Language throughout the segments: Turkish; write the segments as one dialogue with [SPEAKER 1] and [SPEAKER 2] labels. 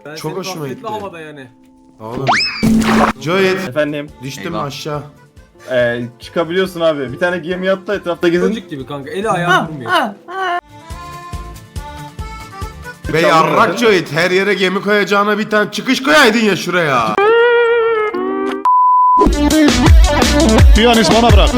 [SPEAKER 1] Çok hoşuma gitti.
[SPEAKER 2] Havada yani.
[SPEAKER 1] Oğlum. Joyet.
[SPEAKER 3] Efendim.
[SPEAKER 1] Düştüm aşağı.
[SPEAKER 3] Çıkabiliyorsun abi. Bir tane gemi yattı etrafta gezin.
[SPEAKER 2] Çocuk gibi kanka. Eli ayağı durmuyor.
[SPEAKER 1] Be yarrak Joyet. Her yere gemi koyacağına bir tane çıkış koyaydın ya şuraya.
[SPEAKER 4] Piyanist bana bırak.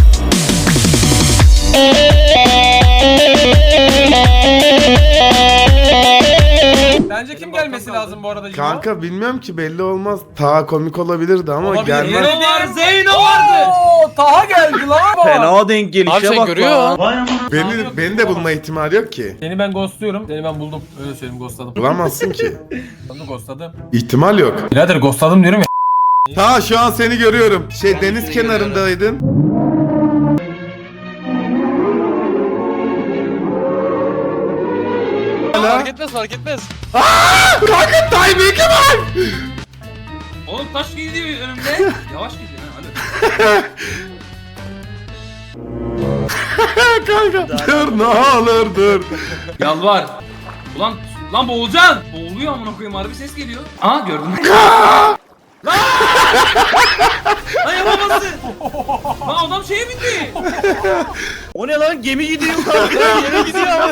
[SPEAKER 2] Bence kim gelmesi lazım bu arada?
[SPEAKER 1] Kanka bilmiyorum ki, belli olmaz. Ta komik olabilirdi ama gelmez.
[SPEAKER 2] Zeyno var, Zeyno vardı. Taha geldi lan.
[SPEAKER 3] Fena denk gelişe bak görüyor.
[SPEAKER 1] Beni de bulma ihtimali yok ki.
[SPEAKER 2] Seni ben ghostluyorum. Seni ben buldum. Öyle söyleyeyim, ghostladım.
[SPEAKER 1] Bulamazsın ki.
[SPEAKER 2] Onu ghostladım.
[SPEAKER 1] İhtimal yok.
[SPEAKER 2] Birader ghostladım diyorum ya.
[SPEAKER 1] Ta şu an seni görüyorum. Deniz kenarındaydın.
[SPEAKER 5] Fark etmez, fark etmez.
[SPEAKER 1] Kanka timing'e bak.
[SPEAKER 6] Oğlum taş gidiyor önümde. Yavaş gidiyor ha hadi.
[SPEAKER 1] Kanka dur, ne olur dur.
[SPEAKER 6] Yalvar. Ulan lan boğulacaksın. Boğuluyor amına koyayım, harbi ses geliyor. Aa gördüm. Lan yapamazsın. Lan adam şeye bindi.
[SPEAKER 3] O ne lan? Gemi gidiyor kanka. Gemi gidiyor abi.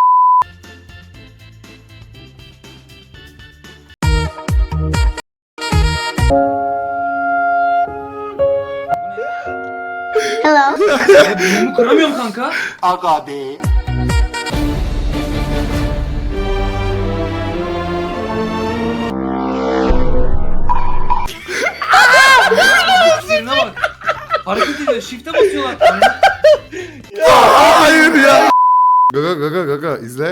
[SPEAKER 7] Hello.
[SPEAKER 6] Bunu kıramıyorum kanka.
[SPEAKER 7] Aga be.
[SPEAKER 6] Birine bak. Hareket ediyor. Shift'e basıyorlar.
[SPEAKER 1] Hayır ya. Gaga izle.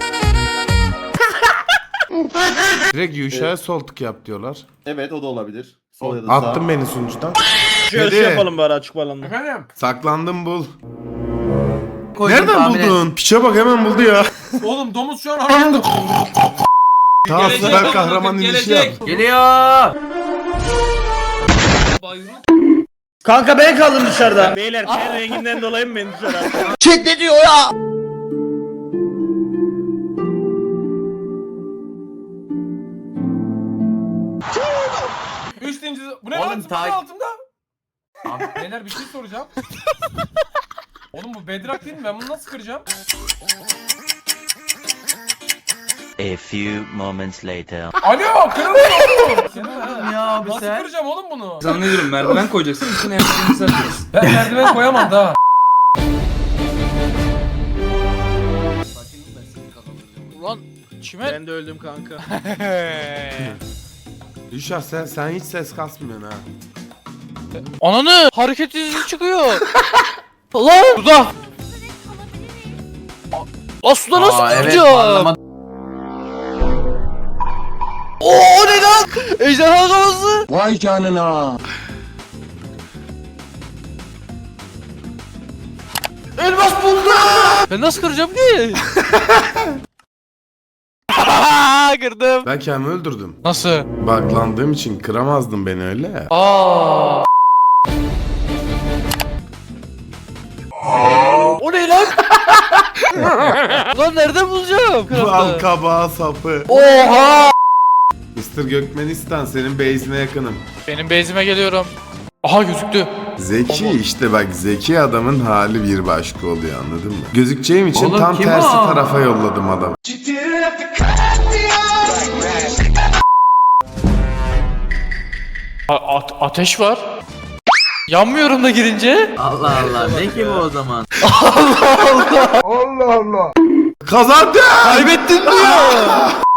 [SPEAKER 1] Direkt Yuşa'ya sol tık yap diyorlar.
[SPEAKER 3] Evet, o da olabilir. Sol ya da sağ.
[SPEAKER 1] Attın beni sunucudan.
[SPEAKER 3] Şöyle şey yapalım bari, açık balonda.
[SPEAKER 2] Efendim?
[SPEAKER 1] Saklandım, bul. Nereden buldun? Piçe bak, hemen buldu ya.
[SPEAKER 2] Oğlum domuz şu an hareket.
[SPEAKER 1] Tamam, süper kahraman inişi yap.
[SPEAKER 6] Geliyor. Bayruk.
[SPEAKER 3] Kanka ben kaldım dışarıda. Beyler ten renginden dolayı mı beni dışarı attın?
[SPEAKER 7] Chat ne diyor ya?
[SPEAKER 2] Üç zincir. Bu ne lan? Zıpkın altımda. Abi beyler bir şey soracağım. Oğlum bu bedrock değil mi? Ben bunu nasıl kıracağım?
[SPEAKER 8] A few moments later.
[SPEAKER 2] Alo, kırılmıyor.
[SPEAKER 6] Ya abi
[SPEAKER 2] Nasıl
[SPEAKER 6] sen.
[SPEAKER 2] kıracağım oğlum bunu?
[SPEAKER 6] Zannediyorum merdiven koyacaksın. Üstüne yapacağını satıyorsun.
[SPEAKER 2] Ben merdiven koyamam daha.
[SPEAKER 5] Ulan çimen.
[SPEAKER 3] Ben de öldüm kanka.
[SPEAKER 1] Yuşa sen hiç ses kasmıyorsun ha.
[SPEAKER 5] Ananı hareket izi çıkıyor. Lan suda. Lan suda nasıl gireceğim? Oo ne lan? Ejderha kafası.
[SPEAKER 7] Vay canına.
[SPEAKER 5] Elmas buldum. Ben nasıl kıracağım ki? Kırdım.
[SPEAKER 1] Ben kendimi öldürdüm.
[SPEAKER 5] Nasıl?
[SPEAKER 1] Baklandığım için kıramazdın beni öyle.
[SPEAKER 5] Aa. O ne lan? Lan nereden bulacağım?
[SPEAKER 1] Bal kabağı sapı.
[SPEAKER 5] Oha!
[SPEAKER 1] Mr. Gökmenistan, senin base'ine yakınım.
[SPEAKER 5] Benim base'ime geliyorum. Aha gözüktü.
[SPEAKER 1] Zeki işte bak, zeki adamın hali bir başka oluyor, anladın mı? Gözükeceğim için
[SPEAKER 6] Oğlum,
[SPEAKER 1] tam
[SPEAKER 6] kim
[SPEAKER 1] tersi
[SPEAKER 6] o?
[SPEAKER 1] tarafa yolladım adamı.
[SPEAKER 5] Ateş var. Yanmıyorum da girince.
[SPEAKER 6] Allah Allah. Ne ki bu o zaman?
[SPEAKER 1] Kazandım!
[SPEAKER 5] Kaybettin diyor.